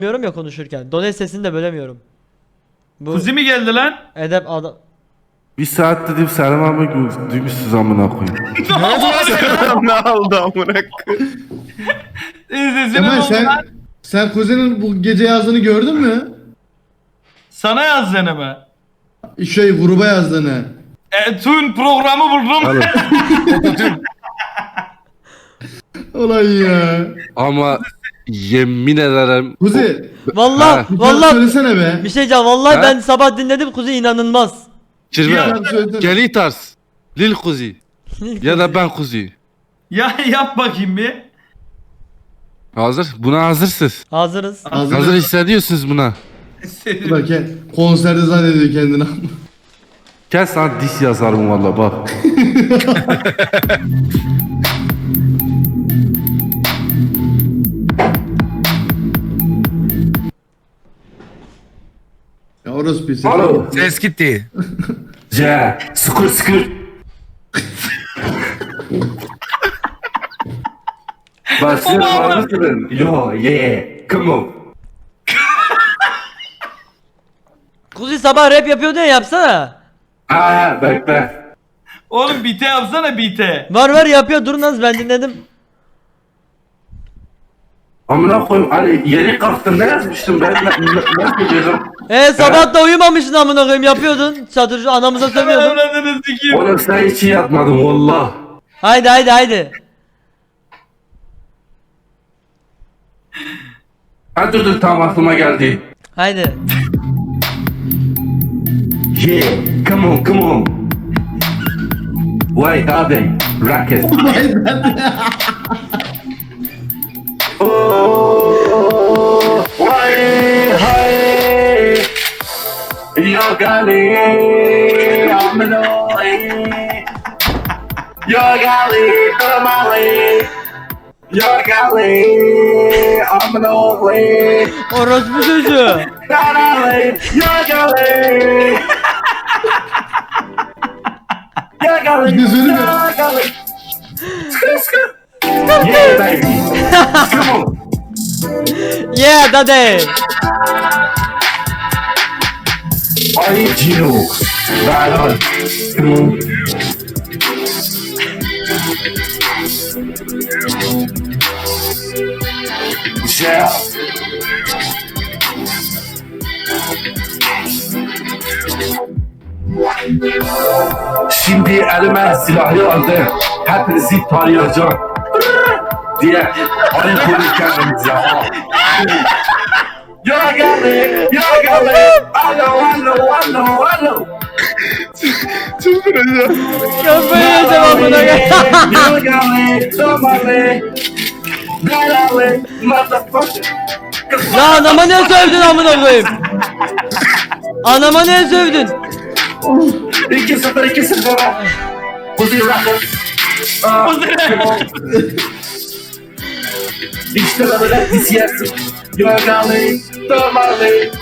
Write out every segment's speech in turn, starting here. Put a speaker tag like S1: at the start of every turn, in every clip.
S1: bölemiyorum ya konuşurken. Done sesini de bölemiyorum. Bu
S2: Kuzi mi geldi lan?
S1: edep adam.
S3: Bir saat dedim Selam abi duymuşsunuz amına koyayım.
S4: Ne oldu amına koyayım?
S2: Sesini
S5: Kemal
S2: buldu lan.
S5: sen kuzenin bu gece yazdığını gördün mü?
S2: Sana yazdığını mı?
S5: Gruba yazdığını.
S2: Tün programı buldum.
S5: Ulan ya.
S3: Ama yemin ederim
S5: Kuzi
S1: Vallahi
S3: Ha.
S1: vallahi
S5: söylesene be.
S1: bir şey diyeceğim. Vallahi
S3: Ha?
S1: ben sabah dinledim Kuzey inanılmaz.
S3: Kirve
S5: Sen söylesene.
S3: geli tarz Lil Kuzi ya da ben Kuzi.
S2: Ya yap bakayım bir.
S3: Hazır? Buna hazırsınız.
S1: Hazırız.
S3: Hazır hissediyorsunuz buna.
S5: Bak konserde zannediyor kendini.
S3: Gel sana dis yazarım valla bak.
S5: Ya orası bir ses.
S3: Alo.
S4: Ses gitti.
S3: C. Sıkır sıkır. Başlayalım. Yo yeah. Come on.
S1: Kuzey sabah rap yapıyordu ya, yapsana.
S3: Aa bekle.
S2: Oğlum bite yapsana bite.
S1: Var yapıyor, durun az, ben dinledim.
S3: Amına koyayım hani yeni kalktım ne yazmıştım ben ne diyeceğim?
S1: Sabah da uyumamışsın amına koyayım, yapıyordun. Çadırcı anamıza sövüyordun.
S2: Anladınız sikiyim.
S3: Oğlum sen hiç iyi yapmadın valla.
S1: Haydi.
S3: Ha dur tam aklıma geldi.
S1: Haydi.
S3: Yeah, come on. Vay abi, rocket. Oh, vay hay. Yo gali, amnoi. Yo gali, kamali. Yo gali, amnoi.
S1: Orospu çocuğu.
S3: Gali, yo gali. Yo gali,
S5: Bir de söyleme.
S3: yo gali. Yeah baby, come on.
S1: Yeah daddy.
S3: I need you. Right on. Come on. Yeah. Şimdi elime silahı aldım. Hepinizi tarayacağım. Diye ayı konuşken ya. Yo geldi. Alo.
S4: Çıldıracağım.
S1: Kafayı yiyeceğim amına koyayım.
S3: Yo geldi. Somali. Galali. Motherfucker.
S1: Ya anama ne sövdün amına koyayım? Anama ne sövdün?
S3: 2-0. Kuzi Rocket. İşte böyle dis yersin. Yo geldi. Somali.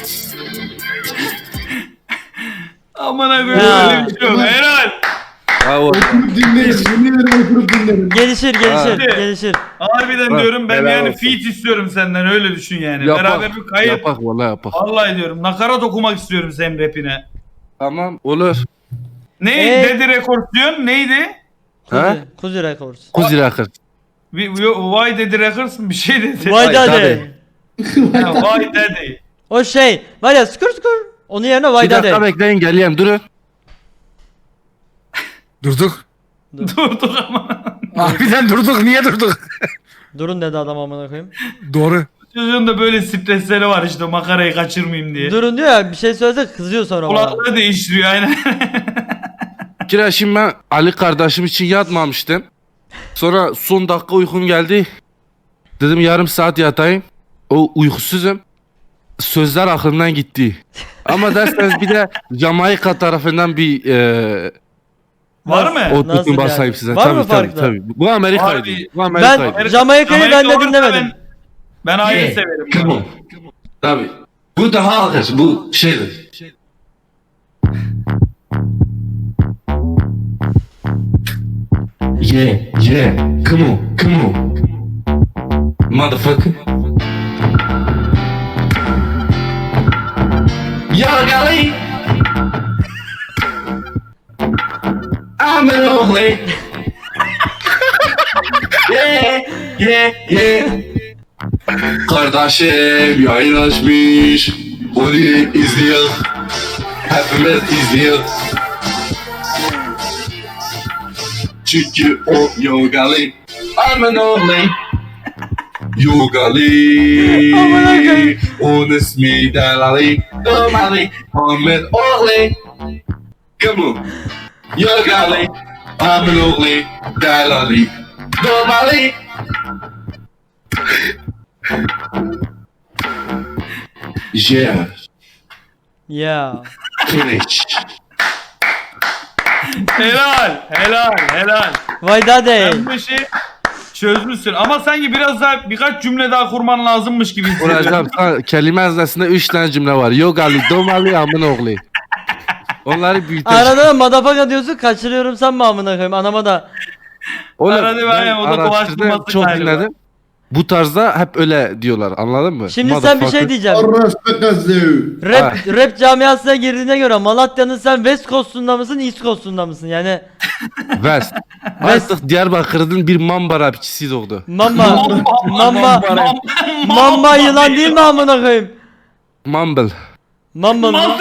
S2: Amına koyayım
S1: Ya.
S2: öyle bir şey yok. Helal.
S5: Oturup dinleriz. Yemin ederim oturup dinlerim.
S1: Gelişir.
S2: Harbiden
S3: Ha,
S2: diyorum ben
S4: helal
S2: yani
S4: olsun.
S2: feat istiyorum senden, öyle düşün yani. Beraber bir kayıt.
S3: Yapak valla yapak.
S2: Vallahi diyorum nakarat okumak istiyorum senin rapine.
S3: Tamam olur.
S2: Neydi dedi rekord diyorsun, neydi?
S1: Kuzi Records.
S3: Kuzi Rocket.
S2: Why dedi records mı bir şey dedi.
S1: Vay daddy.
S2: Ha, Why dedi.
S1: O şey var ya, skur. Onun yerine vay
S3: Bir dakika
S1: daddy.
S3: bekleyin geleyim durun.
S4: Durduk.
S2: Durduk ama.
S4: Harbiden durduk. Niye durduk?
S1: Durun dedi adam amına koyayım.
S4: Doğru.
S2: Çocuğun da böyle stresleri var işte, makarayı kaçırmayayım diye.
S1: Durun diyor ya, bir şey söylese kızıyor sonra bana.
S2: Kulaklığı değiştiriyor aynen.
S3: Kira şimdi ben Ali kardeşim için yatmamıştım. Sonra son dakika uykum geldi. Dedim yarım saat yatayım. O uykusuzum. Sözler aklımdan gitti. Ama derseniz bir de Jamaika tarafından bir
S2: Var mı?
S3: o
S1: Nasıl
S3: tutun basayım
S1: yani?
S3: size.
S1: Var
S3: Tabii,
S1: mı farklı?
S3: tabii. Bu Amerika'ydı.
S2: Harbi.
S3: Bu Amerika'ydı.
S1: Ben Jamaika'yı ben de
S2: olursa
S1: dinlemedim.
S2: Ben ayrı severim.
S3: Come on. Tabii. Bu daha ağır. Bu şeydir. Yeah. Come on. Motherfucker. Yogali. I'm an only. Yeah, yeah, yeah. Kardeşim yayın açmış. Onu izliyor. Hepimiz izliyor. Çünkü o Yogali. I'm an only. Yogali.
S1: Aman Allah'ım.
S3: Onun ismi Delali. Domali. Ahmet Oğli. Come on. Yogali. Ahmet Oğli. Delali. Domali. Yeah.
S1: Ya.
S3: Finish.
S2: Helal.
S1: Vay dade.
S2: Sen bu işi çözmüşsün ama sanki biraz daha birkaç cümle daha kurman lazımmış gibi hissediyorum.
S3: Hocam kelime haznesinde 3 tane cümle var. Yogali, Domali, Amın oğlu. Onları büyüteceğim.
S1: Arada da madafaka diyorsun kaçırıyorum sen mi amına koyayım anama da.
S3: Oğlum,
S2: Arada var ya, o da
S3: araştırdım,
S2: dolaştırması
S3: çok
S2: galiba.
S3: dinledim. Bu tarzda hep öyle diyorlar, anladın mı?
S1: Şimdi sen bir şey
S3: Motherfucker.
S1: diyeceğim.
S5: Orospu kızı.
S1: Rap camiasına girdiğine göre Malatya'nın sen West Coast'unda mısın East Coast'unda mısın yani
S3: West. Artık Diyarbakır'ın bir mamba rapçisi doğdu.
S1: Mamba yılan değil mi amına koyayım?
S3: Mumble.
S1: Mamba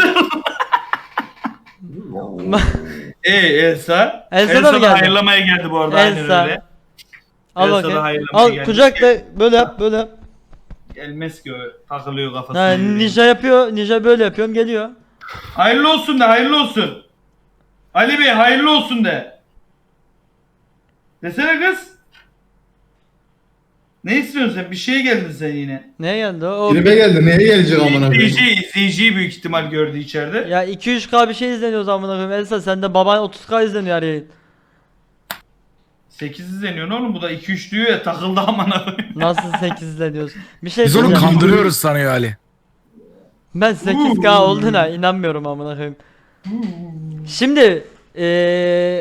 S2: Elsa.
S1: Elsa da mı geldi?
S2: hayırlamaya geldi bu arada. Aynen
S1: Elsa.
S2: öyle.
S1: Al
S2: Elsa'da
S1: bakayım.
S2: hayırlamaya
S1: Al
S2: gelmiş.
S1: kucakla böyle yap böyle yap.
S2: Gelmez ki o, takılıyor kafasına.
S1: Ha, ninja yapıyor ninja böyle yapıyorum geliyor.
S2: Hayırlı olsun de, hayırlı olsun. Ali Bey hayırlı olsun de. Desene kız. Ne istiyorsun sen? Bir şeye geldin sen yine.
S1: Neye geldi o?
S5: Tribe geldi. Neye gelecek amına koyayım?
S2: İzleyiciyi büyük ihtimal gördü içeride.
S1: Ya 2-3K bir şey izleniyor amına koyayım. Elsa sende baban 30K izleniyor her yayın.
S2: 8 izleniyor ne oğlum, bu da 2-3 diyor ya, takıldı amına koyayım.
S1: Nasıl 8 izleniyorsun? Bir şey
S4: Biz onu
S1: söyleyeceğim.
S4: kandırıyoruz sanıyor Ali.
S1: Ben 8K olduğuna inanmıyorum amına koyayım. Şimdi